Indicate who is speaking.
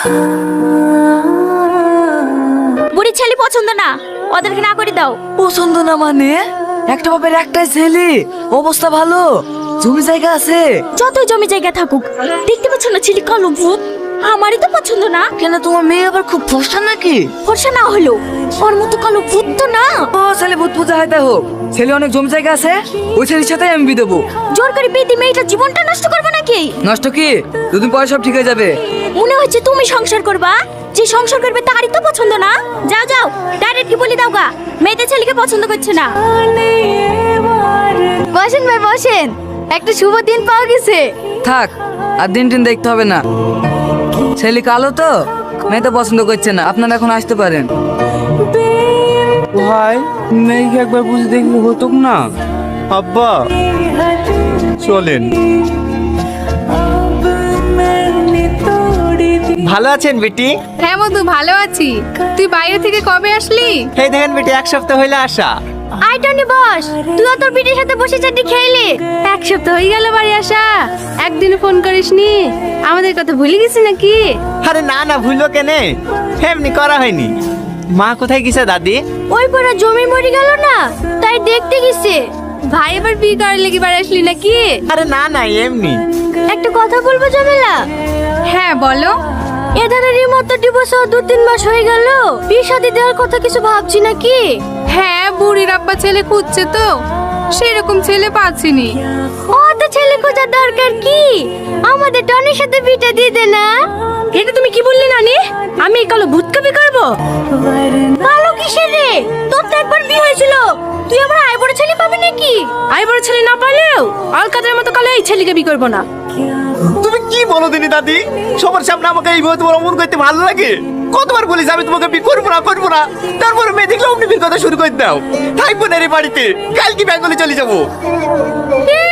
Speaker 1: বুড়ি ছেলে পছন্দ না, ওদেরকে না করে দাও।
Speaker 2: পছন্দ না মানে? একটা বাপের একটাই ছেলে, অবস্থা ভালো, জমি জায়গা আছে।
Speaker 1: যতই জমি জায়গা থাকুক, দেখতে পাচ্ছ না ছেলে কালো ভূত? আমারই তো পছন্দ না।
Speaker 2: কেন, তোমার মেয়ে আবার খুব ফর্সা নাকি?
Speaker 1: ফর্সা না হলো ওর মতো কালো ভূত তো না।
Speaker 2: ও ছেলে ভূত পূজা হয় তাই হোক, ছেলে অনেক জমি জায়গা আছে, ওই ছেলের সাথে আমি বিয়ে দেবো।
Speaker 1: জোর করে বিয়ে দিয়ে মেয়েটার জীবনটা নষ্ট করবে নাকি?
Speaker 2: নষ্ট কি, দুদিন পরে সব ঠিক হয়ে যাবে।
Speaker 1: মনে হচ্ছে তুমি সংসার করবা, যে সংসার করবে তারই তো পছন্দ না। যাও যাও, ডাইরেক্ট কি বলি দাও গা, মেয়েদের ছেলেকে পছন্দ করছে না।
Speaker 3: বসেন ভাই বসেন, একটা শুভ দিন পাওয়া গেছে।
Speaker 2: থাক, আর দিন টিন দেখতে হবে না, ছেলে কালো তো মেয়ে তো পছন্দ করছে না, আপনারা এখন আসতে পারেন।
Speaker 4: ভাই মেয়েকে একবার বুঝে দেখলে হতো না? আব্বা চলেন।
Speaker 5: ভালো আছেন বেটি?
Speaker 3: হ্যাঁ মধু, ভালো আছি। তুই বাইরে থেকে কবে আসলি?
Speaker 5: এই দেখেন বেটি, এক সপ্তাহ হইলে আসা।
Speaker 1: আই টনি বস, তুইও তোর বিটির সাথে বসে চাটি খেলি।
Speaker 3: এক সপ্তাহ হয়ে গেল বাড়ি আসা, একদিন ফোন করিসনি। আমাদের কথা ভুলে গেছি নাকি?
Speaker 5: আরে না না, ভুলো কেনে, এমনি করা হয়নি। মা কোথায় গেছে দাদি?
Speaker 1: ওই পড়া জমি মরে গেল না, তাই দেখতে গেছে।
Speaker 3: ভাই এবার বিয়ে করার লেগে বাড়ি আসলি নাকি?
Speaker 5: আরে না না, এমনি।
Speaker 1: একটা কথা বলবো জমেলা?
Speaker 3: হ্যাঁ বলো।
Speaker 1: এধারের মতো ডিভোর্স 2-3 মাস হয়ে গেল, বিয়ে শাদী দেওয়ার কথা কিছু ভাবছি নাকি?
Speaker 3: হ্যাঁ, বুড়ির আব্বা ছেলে খুঁজছে তো, সেরকম ছেলে পাচ্ছিনি।
Speaker 1: ও তো ছেলে খোঁজার দরকার কি, আমাদের টনির সাথে বিটা দিয়ে দে না। এটা তুমি কি বললে নানি? আমি এই কালো ভূতকে বিয়ে করবো? কালো কিসের রে, তোর তো একবার বিয়ে হয়েছিল, তুই আবার আই বড় ছেলে পাবি নাকি? আই বড় ছেলে না পালেও অলকাদের মতো কালো এই ছেলেকে বিয়ে করবো না।
Speaker 5: তুমি কি বলো দিনি দাদি? সবার সামনে আমাকে এইভাবে তোমার অমন করতে ভালো লাগে? কতবার বলিস আমি তোমাকে বিয়ে করবো না করবো না, তারপরে মেয়ে দেখলে অমনি বিয়ের কথা শুরু করে দাও। থাকবো না রে বাড়িতে, কালকে বেঙ্গলে চলে যাবো।